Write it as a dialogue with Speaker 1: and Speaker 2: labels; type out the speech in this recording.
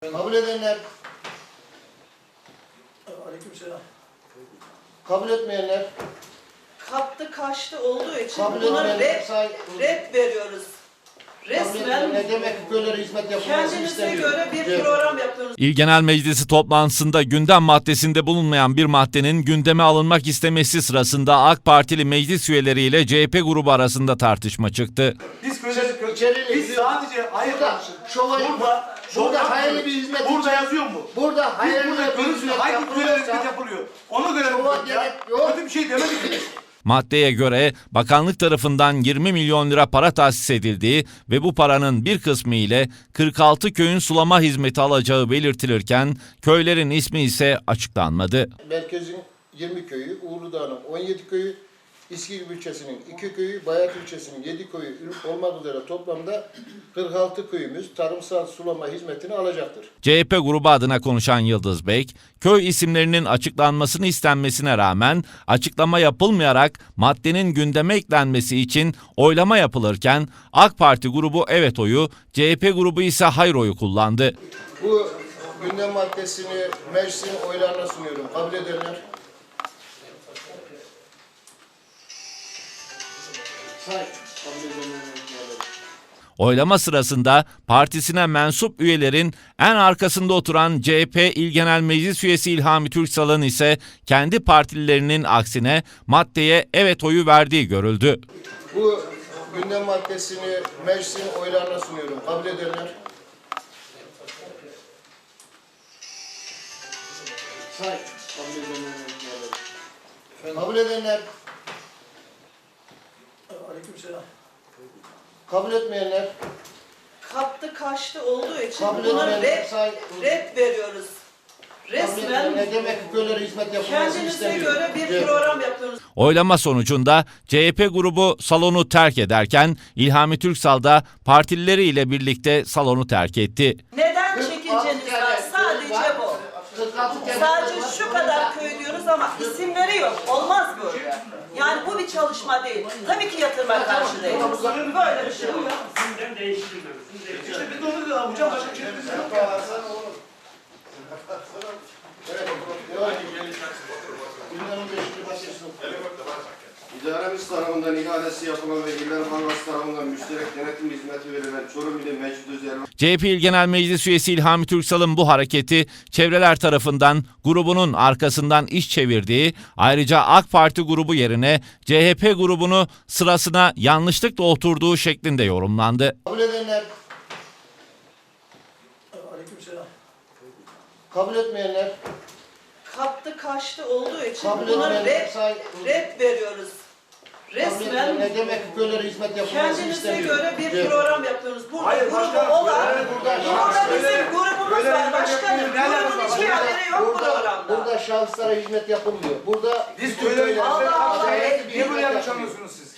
Speaker 1: Kabul edenler,
Speaker 2: Aleykümselam.
Speaker 1: kabul etmeyenler,
Speaker 3: Kaptı kaçtı olduğu için
Speaker 1: kabul
Speaker 3: buna
Speaker 1: etmeyenler,
Speaker 3: red veriyoruz. Resmen
Speaker 1: ne demek köylere hizmet yapılması
Speaker 3: kendinize
Speaker 1: istemiyor.
Speaker 3: göre bir program yapıyorsunuz.
Speaker 4: İl Genel Meclisi toplantısında gündem maddesinde bulunmayan bir maddenin gündeme alınmak istemesi sırasında AK Partili meclis üyeleriyle CHP grubu arasında tartışma çıktı.
Speaker 2: Biz
Speaker 1: İçeriyle
Speaker 2: sadece hayır
Speaker 1: burada hayırlı bir hizmet
Speaker 2: burada yazıyor mu?
Speaker 1: Burada hayırlı bir hizmet
Speaker 2: Hangi köylere hizmet
Speaker 1: yapılıyorsa
Speaker 2: yapılıyor? Ona göre
Speaker 1: şova
Speaker 2: ya.
Speaker 1: gerek yok.
Speaker 2: Kötü bir şey demedik ki.
Speaker 4: Maddeye göre bakanlık tarafından 20 milyon lira para tahsis edildiği ve bu paranın bir kısmı ile 46 köyün sulama hizmeti alacağı belirtilirken köylerin ismi ise açıklanmadı.
Speaker 1: Merkezin 20 köyü, Uğurlu'dağ'ın 17 köyü, İskilip ilçesinin 2 köyü, Bayat ilçesinin 7 köyü olmak üzere toplamda 46 köyümüz tarımsal sulama hizmetini alacaktır.
Speaker 4: CHP grubu adına konuşan Yıldız Bek, köy isimlerinin açıklanmasını istenmesine rağmen açıklama yapılmayarak maddenin gündeme eklenmesi için oylama yapılırken AK Parti grubu evet oyu, CHP grubu ise hayır oyu kullandı.
Speaker 1: Bu gündem maddesini meclisin oylarına sunuyorum. Kabul edenler.
Speaker 4: Oylama sırasında partisine mensup üyelerin en arkasında oturan CHP İl Genel Meclis Üyesi İlhami Türksal'ın ise kendi partililerinin aksine maddeye evet oyu verdiği görüldü.
Speaker 1: Bu gündem maddesini meclisin oylarına sunuyorum. Kabul edenler. Kabul edenler.
Speaker 2: Aleykümselam.
Speaker 1: Kabul etmeyenler.
Speaker 3: Kaptı kaçtı olduğu için
Speaker 1: Kabul
Speaker 3: buna
Speaker 1: etmeyenler.
Speaker 3: red veriyoruz. Resmen
Speaker 1: ne demek köylere hizmet yapılması
Speaker 3: kendinize
Speaker 1: istemiyor.
Speaker 3: göre bir program yapıyorsunuz.
Speaker 4: Oylama sonucunda CHP grubu salonu terk ederken İlhami Türksal da partilileriyle birlikte salonu terk etti.
Speaker 3: Neden çekinceniz var? Sadece bu. Sadece şu kadar köy diyoruz ama isimleri yok. Olmaz böyle. Yani bu bir çalışma değil. Tabii ki yatırıma karşı değil. Böyle bir şey yok.
Speaker 2: İşte biz de onu diyorlar. Hocam başka bir şey yok.
Speaker 5: İdaremiz tarafından ihalesi yapılan ve İller Bankası tarafından müşterek denetim hizmeti verilen Çorum İli Meclis Üzerine
Speaker 4: CHP İl Genel Meclis Üyesi İlhami Türksal'ın bu hareketi çevreler tarafından grubunun arkasından iş çevirdiği, ayrıca AK Parti grubu yerine CHP grubunu sırasına yanlışlıkla oturduğu şeklinde yorumlandı.
Speaker 1: Kabul edenler.
Speaker 2: Aleykümselam.
Speaker 1: Kabul etmeyenler.
Speaker 3: Kaptı kaçtı olduğu için
Speaker 1: Kabul
Speaker 3: buna
Speaker 1: etmeyenler.
Speaker 3: red veriyoruz. Resmen
Speaker 1: ne demek köylere hizmet yapılması
Speaker 3: kendinize
Speaker 1: istemiyor.
Speaker 3: göre bir program yapıyorsunuz. Burada
Speaker 2: Hayır,
Speaker 3: grubu
Speaker 2: başkanım,
Speaker 3: olan,
Speaker 2: burada
Speaker 3: bizim grubumuz var başkanım. Grubun hiçbir haberi yok programda.
Speaker 1: Burada şahıslara hizmet yapılmıyor. Burada
Speaker 2: Biz köylere
Speaker 3: Allah Allah,
Speaker 1: acayip bir
Speaker 2: niye böyle
Speaker 1: hizmet
Speaker 2: yanlış
Speaker 1: yapılıyor.
Speaker 2: anlıyorsunuz siz?